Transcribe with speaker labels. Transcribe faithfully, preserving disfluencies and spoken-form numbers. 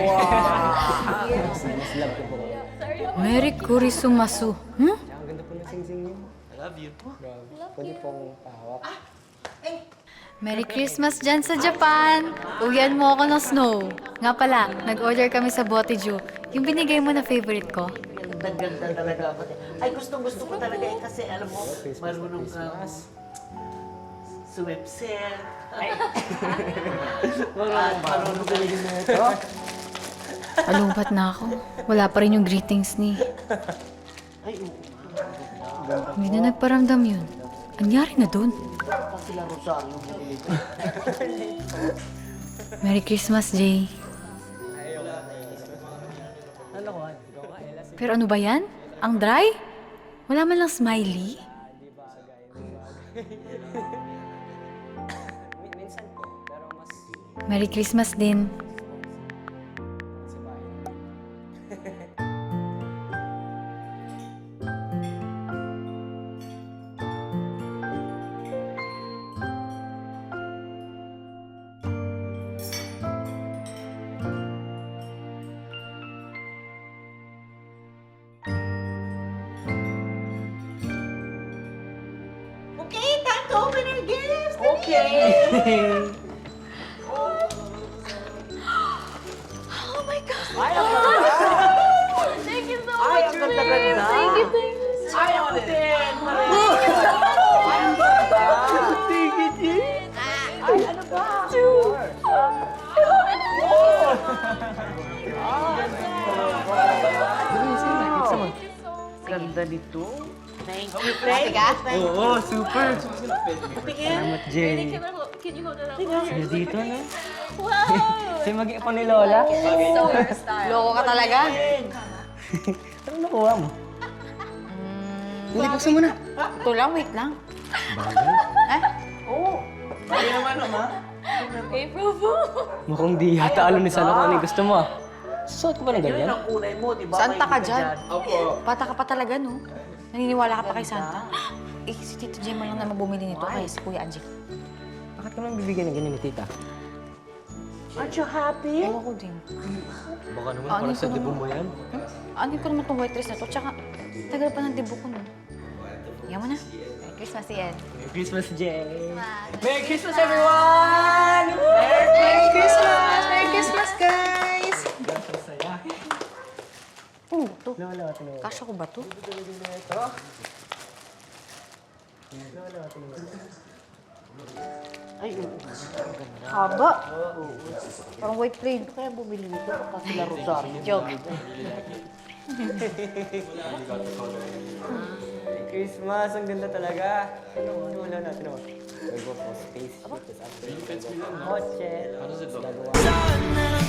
Speaker 1: Mas love ko po.
Speaker 2: Merry Kurisumasu. Hmm?
Speaker 1: Ang ganda po ng sing-sing niyo.
Speaker 3: I love you.
Speaker 1: Pwede pong pahawak.
Speaker 2: Merry Christmas dyan sa Japan! Uwian mo ako ng snow. Nga pala, nag-order kami sa Boteju. Yung binigay mo na favorite ko.
Speaker 4: Ganda-ganda talaga ako. Ay, gustong-gusto ko talaga eh, kasi alam mo, marunong kang swimset. Ay, marunong, marunong ka rin ito.
Speaker 2: Alumpat na ako. Wala pa rin yung greetings ni.
Speaker 4: Ay, oo.
Speaker 2: Hindi na nagparamdam yun. Anyari na dun?
Speaker 4: Pa sila Rosario mo dito.
Speaker 2: Merry Christmas, Jay. Pero ano ba yan? Ang dry? Wala man lang smiley?
Speaker 1: Minsan po, pero mas...
Speaker 2: Merry Christmas din.
Speaker 4: Okay, time to open our gifts! Okay!
Speaker 2: Oh my God!
Speaker 4: Ay, ang
Speaker 2: Thank you so
Speaker 4: Ay, ang ganda-ganda!
Speaker 2: Thank you, thank you.
Speaker 4: Ay, ako din! Ay, ang ganda! Thank you, Jin! Ay, ano ba? Ganda nito. Thank you, Frank.
Speaker 1: Oo, super!
Speaker 4: Tingin.
Speaker 1: Salamat, Jay.
Speaker 5: Can you hold it up?
Speaker 1: Sige dito, no?
Speaker 5: Wow!
Speaker 1: Siya mag pa ni Lola.
Speaker 2: Loko ka talaga?
Speaker 1: Anong nakuha mo? Hindi, buksan mo na.
Speaker 2: Ito lang, wait lang. Eh?
Speaker 4: Oo. Ay, naman, ama.
Speaker 5: April Fool!
Speaker 1: Mukhang di yata alam ni Sana kung ano yung gusto mo ah. Suot ko ba ng
Speaker 4: Yun
Speaker 1: ganyan?
Speaker 4: ang kulay mo, di ba?
Speaker 2: Santa ka
Speaker 4: Mahilig
Speaker 2: dyan.
Speaker 4: Opo.
Speaker 2: Bata ka pa talaga, no? Naniniwala ka pa kay Santa? Eh, si Tito Jay man lang naman bumili nito kay si Kuya Angie.
Speaker 1: Bakit ka naman bibigyan ng ganyan ni tita?
Speaker 4: Aren't you happy?
Speaker 2: Ewan ko din.
Speaker 1: Baka naman
Speaker 2: Ano
Speaker 1: para sa
Speaker 2: ko
Speaker 1: debo
Speaker 2: naman?
Speaker 1: mo yan.
Speaker 2: Ano ko naman itong white dress na to? Tsaka, tagal pa ng dibo ko, no? Yan mo na. Merry Christmas, Ian.
Speaker 1: Merry Christmas, Jay! Merry Christmas, everyone! Merry Christmas! Merry Christmas, guys!
Speaker 2: Oh, ito.
Speaker 1: Lola, tinawag.
Speaker 2: Kasha ko ba to?
Speaker 4: Ay, oo.
Speaker 2: Haba. Parang white plaid.
Speaker 4: Kaya bumili nito pa sila Rosario.
Speaker 2: Joke.
Speaker 1: Merry Christmas! Ang ganda talaga! Ano, ano, Lola, tinawag. We'll go for space ship, tapos after, we'll go for hotel.
Speaker 3: How does it look?
Speaker 1: Gagawa.